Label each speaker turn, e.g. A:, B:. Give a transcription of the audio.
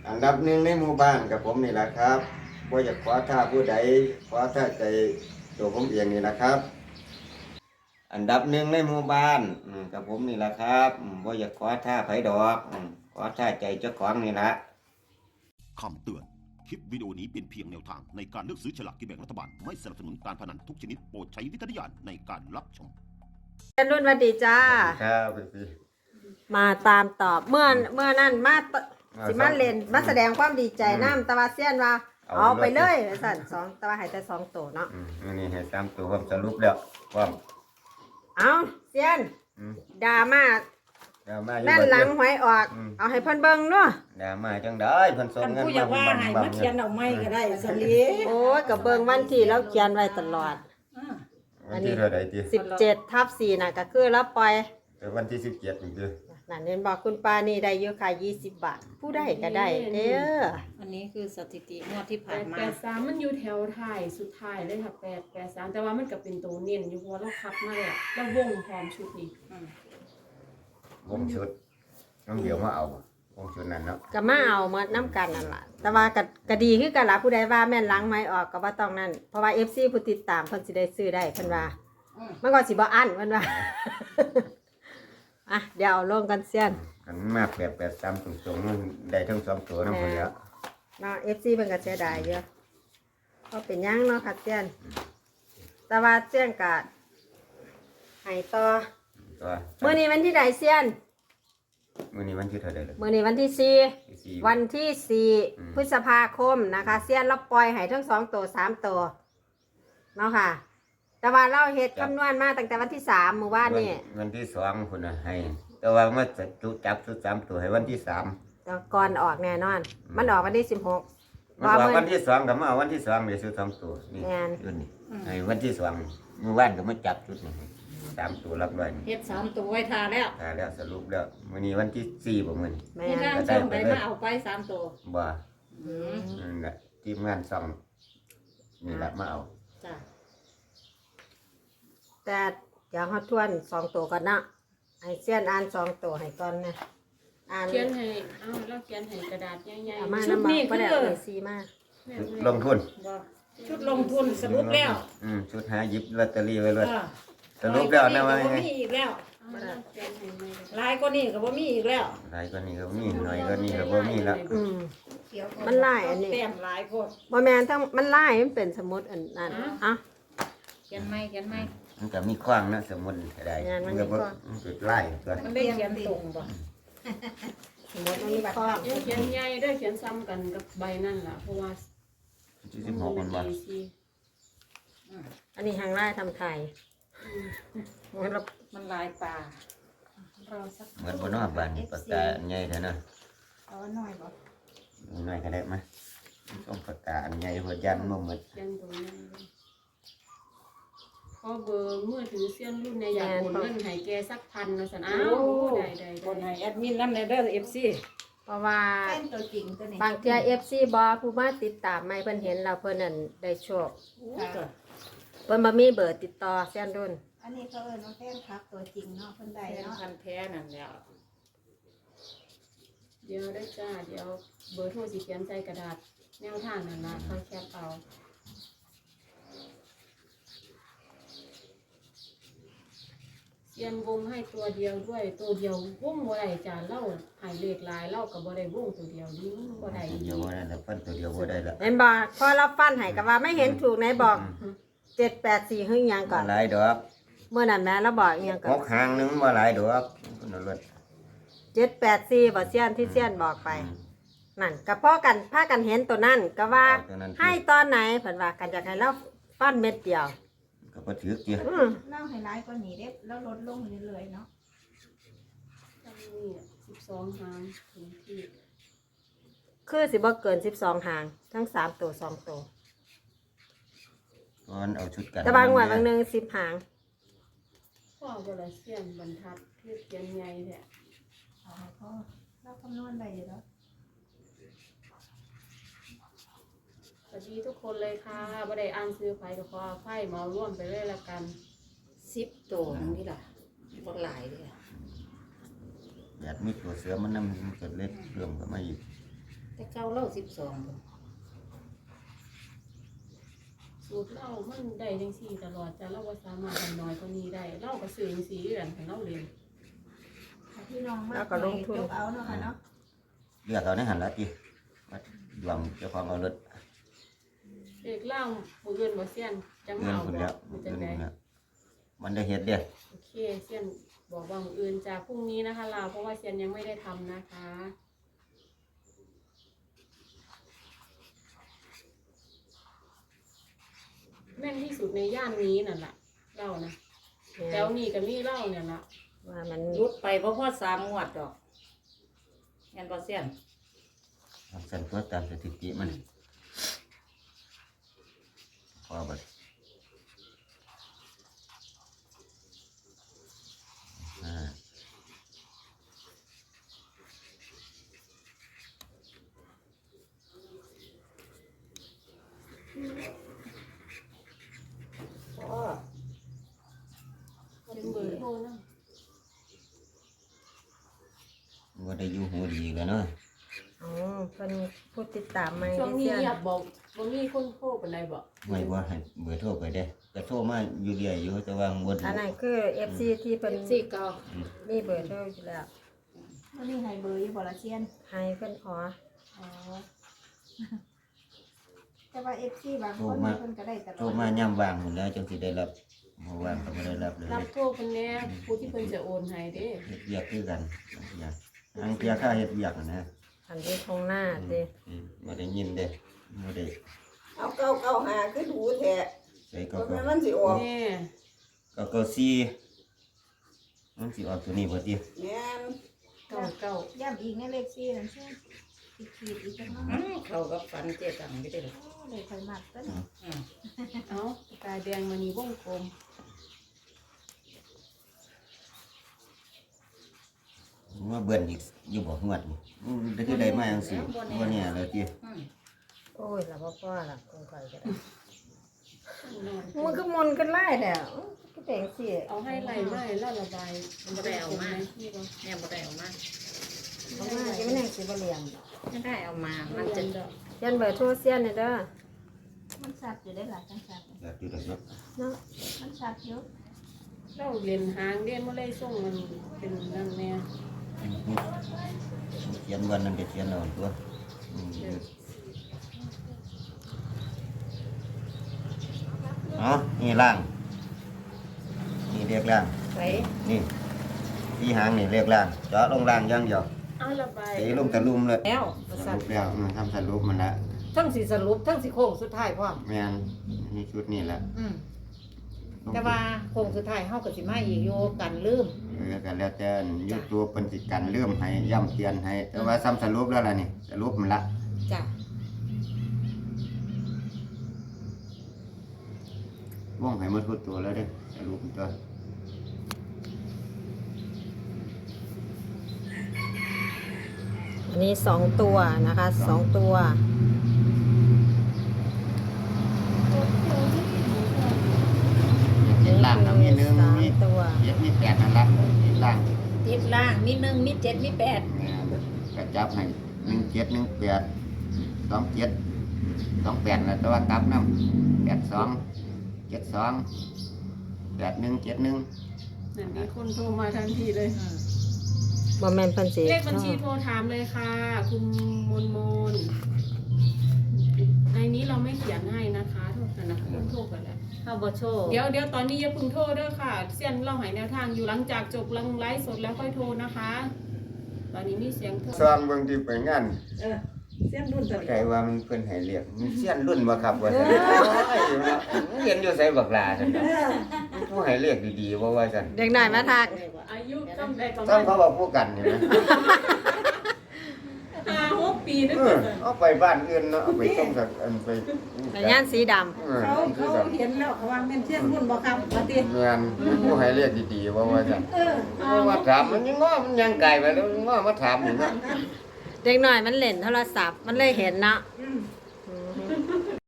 A: อันดับหนึ่งในหมู่บ้านกับผมนี่แหละครับบ่อยากขอท่าผู้ใดขอท่าใจตัวผมเองนี่แหละครับอันดับหนึ่งในหมู่บ้านกับผมนี่แหละครับบ่อยากขอท่าไผดอกขอท่าใจเจ้าของนี่แหละ
B: คำเตือน คลิปวิดีโอนี้เป็นเพียงแนวทางในการเลือกซื้อฉลากกินแบ่งรัฐบาล ไม่สนับสนุนการพนันทุกชนิดโปรดใช้วิจารณญาณในการรับชม
C: เป็นรุ่นวันดีจ้า
A: ครับพี่
C: มาตามตอบเมื่อนั้นมาสิมาเล่นมาแสดงความดีใจน้ำตะวันเซียนว่าเอาไปเลยสั่นสองตะวันหายใจสองตัวเนาะ
A: อันนี้ให้ตามตัวผมสรุปแล้วว่า
C: เอาเซียนดราม่าแม่นหลังหวยออกเอาให้เพิ่นเบิ่งเนาะ
A: ดราม่าจังได้เพิ่นส่งเงินมา
D: ว่าให้มาเขียนเอาไม่ก็ได้สลี
C: โอ้ยกับเบิ่งวันที่แล้วเขียนไว้ตลอด
A: วันที่เท่าใดติ
C: 17/4น่ะก็คือแล้วปล่อย
A: วันที่17นี่ติ
C: นั่นเห็นบอกคุณป้านี่ได้อยู่ค่ะ20 บาทผู้ได้ก็ได้เด้อ
D: อันนี้คือสถิติงวดที่ผ่านมา
E: 83มันอยู่แถวท้ายสุดท้ายเลยค่ะ883แต่ว่ามันก็เป็นตัวเน้นอยู่เพราะเราคัดมาแล้ววงพร้อมชุดนี้
A: วงชุดน้องเดียวมาเอาวงชุดนั้นเนาะ
C: ก็มาเอามาน้ำกันนั่นล่ะแต่ว่าก็ดีคือกันล่ะผู้ใดว่าแม่นหลังไม้ออกก็บ่ต้องนั่นเพราะว่า FC ผู้ติดตามเพิ่นสิได้ซื้อได้เพิ่นว่ามันก็สิบ่อั้นเพิ่นว่าอ่ะเดี๋ยวเอาลงกันเสียน
A: กันมา883ตรงๆมันได้ทั้ง2ตัวนำเพิ่นแล้ว
C: เนาะ FC เพิ่นก็เสียดายเยอะก็เป็นหยังเนาะค่ะเสียนแต่ว่าเสียนก็ให้ต่อมื้อนี้วันที่ใดเสียน
A: มื้อนี้วันที่เท่าใดล่ะ
C: มื้อนี้วันที่4วันที่4พฤษภาคมนะคะเสียนเราปล่อยให้ทั้ง2ตัว3ตัวเนาะค่ะแต่ว่าเราเฮ็ดคำนวณมาตั้งแต่วันที่3มื้อวานนี้
A: วันที่2พุ่นน่ะให้แต่ว่ามาจุจับชุด3ตัวให้วันที่3
C: แต่ก่อนออกแน่นอนมันออกวันที่16
A: ว่าวันที่2ก็มาวันที่2ได้ชุด2ตัวนี่อยู่นี่ให้วันที่2มื้อวานก็มาจับชุดนี่3ตัวรับไว้
D: เฮ็ด3ตัวไว้ทา
A: แล้วสรุปแล้วมื้อนี้วันที่4บ่มื้อนี้
D: แม่นส่งไปมาเอาไป3ตัว
A: บ่นั่นแหละทีมงานส่องนี่แหละมาเอา
D: จ้ะ
C: แต่เดี๋ยวเขาทวน2ตัวก่อนนะให้เสียนอ่าน2ตัวให้ก่อนนะ
E: อ่านเขียนให้แล้วเขียนให้กระดาษใหญ่
C: ๆชุดนี้คือสีมา
A: ลงทุน
D: ชุดลงทุนสรุปแล้ว
A: ชุดหาหยิบลอตเตอรี่ไว้เลยสรุปแล้วนะว่า
D: ไงมีอีกแล้วลายก็นี่ก็บ่มีอีกแล้ว
A: ลายก็นี่ก็มีหน่อยก็นี่ก็บ่มีแล้ว
C: มันลายอันนี้
D: แต้มลายโพด
C: บ่แม่นทั้งมันลายมันเป็นสมุดอันนั้น
D: เขียนไหม
A: มันก็มีขว้างนะสมุดได้มันก็บ่เป็นลายตัว
D: มันได้เขียนตรงบ่
C: สมุดมันมีขว้าง
E: เขียนใหญ่ได้เขียนซ้ำกันกับใบนั่นล่ะเพราะว่า
A: 16มันบ่
C: อันนี้หางลายทำไทย
D: มันลายตา
A: เหมือนบนนอกบ้านปากกาใหญ่เท่านั้น
D: เอาหน่อยบ่
A: หน่อยก็ได้มั้ยต้องปากกาใหญ่หัวยันบ่หมด
E: พอเบอร์มือถือเสี้ยนรุ่นในอยากโอนเงินให้แกสัก1,000นะสันได้
D: คนให้แอดมินนำในเด้อ FC
C: เพราะว่าบางเทื่อ FC บ่ผู้มาติดตามไม่เพิ่นเห็นแล้วเพิ่นนั่นได้โชคเพิ่นบ่มีเบอร์ติดต่อเสี้ยนรุ่น
F: อันนี้เขาเอิ้นว่าแฟนคลับตัวจริงเนาะเพิ่นได้เนาะ
D: พันแท้นั่นแล้ว
E: เดี๋ยวได้จ้าเดี๋ยวเบอร์โทรสิเขียนใส่กระดาษแนวทางนั่นล่ะเขาแคปเอาเสียนวงให้ตัวเดียวด้วยตัวเดียววงบ่ได้จ้าเล่าให้เลขหลายเล่าก็บ่ได้วงตัวเดียวนี่บ่ได้
A: เดียวบ่ได้แล้วฟันตัวเดียวบ่ได้ละ
C: เห็นบ่พอเราฟันให้ก็ว่าไม่เห็นถูกไหนบอก784หึงหยังก่อน
A: หลายดอก
C: เมื่อนั้นแม่เราบอกอีหยังก่อน
A: 6หางนึงบ่หลายดอกคุณรถ
C: 784บ่เสี้ยนที่เสี้ยนบอกไปนั่นก็พอกันพากันเห็นตัวนั้นก็ว่าให้ตอนไหนเพิ่นว่ากันอยากให้เราฟันเม็ดเดียว
A: ก็บ่ถือเกี่ย
F: เล่าให้หลายกว่านี้เด้แล้วลดลงเรื่อยๆเนาะ
E: นี่12หางถึงที่
C: คือสิบ่เกิน12หางทั้ง3ตัว2ตัว
A: ก่อนเอาชุดกัน
C: แต่บางวันบางนึง10หาง
E: พ่อบ่ละเสี้ยนบรรทัดคือเขียนใหญ่แท้
F: พ่อเราคำนวณได้อยู่แล้ว
E: สวัสดีทุกคนเลยค่ะบ่ได้อ่านซื้อไผก็ขออภัยมาร่วมไปเลยละกัน
D: 10ตัวนี่ล่ะบ่หลายเด้
A: แบบมีตัวเสือมันนำเกิดเล็กเรื่องก็มาอีก
E: แต่เก่าเล่า12พุ่นสูตรเล่ามันได้จังซี่ตลอดจ้ะเราบ่สามารถทำน้อยกว่านี้ได้เราก็ซื้อจังซี่คือกันให้เราเรียน
F: พี่น้องมา
C: แล้วก็ลงทุน
F: ยกเอาเนาะค่ะเนาะ
A: เลือกเอาในหันละติว่าดวงเจ้าของเอารถ
E: เด็กเล่ามื้ออื่นบ่เซียนจัง
A: เงิน
E: เอา
A: พุ่น
E: บ่
A: แล้ว
E: มัน
A: เงิ
E: จั
A: น
E: งได๋
A: พุ่นแล้วมันได้เฮ็ดเด้
E: โอเคเซียนบอกว่ามื้ออื่นจ้ะพรุ่งนี้นะคะลาวเพราะว่าเซียนยังไม่ได้ทำนะคะ แม่นที่สุดในย่านนี้นั่นแหละเล่านะแถวนี้ก็มีเล่าเนี่ยละ
C: ว่ามัน
D: รุดไปเพราะพ่อ3 งวดดอกแม่นบ่เซียน
A: เอาสั่นตัวตามสถิติมันพอบัดอ่า
E: เป็นเบอร์โทรนะ
A: บ่ได้อยู่หูดีแล้วเนาะ
C: อ๋อเพิ่นผู้ติดตามใหม่
E: ช่วงนี้
C: เสี้ยน
E: อยากบอกว่ามีคนโทรเป็นไรบอก
A: ไม่ว่าให้เบอร์โทรไปเด้ก็โทรมาอยู่เรื่อยอยู่แต่ว่าบ่
C: อันนั้นคือ FC ที่เพิ่น
E: สี่เก้า
C: มีเบอร์โทรอยู่แล้ว
F: วันนี้ให้เบอร์อยู่บ่ละเซียน
C: ให้เพิ่นขอ
F: อ๋อ แต่ว่า FC บางคนเพิ่นก็ได้ตลอด
A: โทรมายามว่างหมดแล้วจังสิได้รับบ่ว่างก็บ่ได้รับเลย
E: รับโทรคนแน่ผู้ที่เพิ่นจะโอนให้เด้
A: เฮ็ดเวียกคือกันบางอย่างอังเทียค่าเฮ็ดเวียกนะ
C: อันที่ตรงหน้าติ
A: บ่ได้ยินเด้บ่ได้
G: เอาเก้าเก้าหาคือดูแท้
A: ใส่ก็
G: ก็แม่นมันสิออก
E: แน่
A: ก็ซีมันสิออกตัวนี้บ่ติ
G: แม่น
E: เก้าเก้า
F: ย้ำอีกในเลข4นั่นเซียนขีดอีกจังเนาะ
D: เขากับฝันเจ๊ตังไม่ได้หรอก
F: โอ้เลยค่อยมักเด้อ
E: เอาปากกาแดงมานี่วงกลม
A: ว่าเบิ่นอีกอยู่บ่งวดนี่ได้คือได้มาจังซี่บ่เนี่ยเลยติ
C: โอ้ยล่ะบ่พอล่ะคงค่อยก็ได้
E: นอน
C: มันก็มนกันไล่แล้วก็แต่งสิ
E: เอาให้ไหลไม้แล้วระบายนี่บ่
D: แม่บ่ได้เอามา
C: เอามาจะมันยังสิบ่เหลี่ยม
D: ไม่ได้เอามา
E: มั
D: มัน น
E: จะ
D: จะ
C: เขียนเบอร์โทรเสี้ยนนี่เด้อ
F: มันชัดอยู่ได้หลายจังซั่น
A: อยากอยู่ดอกเนาะ
C: เนาะ
F: มันชัดอยู่
E: เราเรียนหางเรียนบ่ได้ส่งมันเป็นนั่นแน่
A: เขียนวันนั้นก็เขียนเอาตัวอ๋อนี่ล่างนี่เรียกล่าง
D: ไป
A: นี่ที่หางนี่เรียกล่างเจาะลงล่างอย่างเดียว
E: เอาระบาย
A: ตีลงตะลุมเลย
D: แล้ว
A: สรุปแล้วทำสรุปมันละ
D: ทั้งสิสรุปทั้งสิโค้งสุดท้ายพร้อม
A: แม่นนี่ชุดนี่แหละ
D: แต่ว่าโค้งสุดท้ายเฮาก็สิมาอีกอยู่กันลืม
A: กันแล้วแต่ยูทูบเป็นสิกันเริ่มให้ย้ำเตือนให้ แต่ว่าซ้ำสรุปแล้วล่ะนี่สรุปมันละ
D: จ้ะ
A: ว่องให้หมดทุกตัวแล้วเด้สรุปตัว
C: อันนี้2ตัวนะคะ2ตัว
A: เจ็ดล่างนะมีหนึ่งมี
C: 3ตัว
A: เจ็ดมีแปดนั่นละเจ็ดล่าง
D: ติดล่างมี1มี7มี8
A: เนี่ยกระจับให้17 18 27 28แล้วแต่ว่ากลับนำ82 72 81 71
E: นั่นมีคนโทรมาทันทีเลย
C: บ่แม่นเพิ่นสิ
E: เลขบัญชีโทรถามเลยค่ะ คุณมนมนในนี้เราไม่เขียนให้นะคะโทษกันนะคุณโทรกันแล้ว
D: เฮาบ่โชว์
E: เดี๋ยวตอนนี้อย่าเพึ่งโทรเด้อค่ะเสียนเราหายแนวทางอยู่หลังจากจบลังไลฟ์สดแล้วค่อยโทรนะคะ ตอนนี้มีเสียงโทร
A: ซ้อมเบิ่งที่ไปงาน
D: เส้นรุ่นตะ
A: ใครว่ามันเพิ่นให้เรียกมันเสี้ยนรุ่นบ่ครับว่าซั่นเรียนอยู่ไสบักหลาซั่นน่ะผู้ให้เรียกดีๆบ่ว่าซั่น
C: เด็กหน่อยมาทัก
E: อายุจำได้ประ
A: ต้
E: มา
A: อง
E: ณ
A: เขาบอกผู้กันนี่นะ
E: 5-6 ปีนึก
A: เออเอาไปบ้านอื่นเนาะเอาไปส่งสักอันไป
C: แต่ย่านสีดำ
D: เขาเห็นแล้วเขาว่าแม่นเส้นรุ่นบ่ครับว่าติ
A: เงินผู้ให้เรียกดีๆบ่ว่าซั่นเพราะว่าถามมันยังง้อมันยังไกลไปแล้วง้อมาถามอยู่เนาะ
C: เด็กหน่อยมันเล่นโทรศัพท์มันเลยเห็นเนาะ
D: ม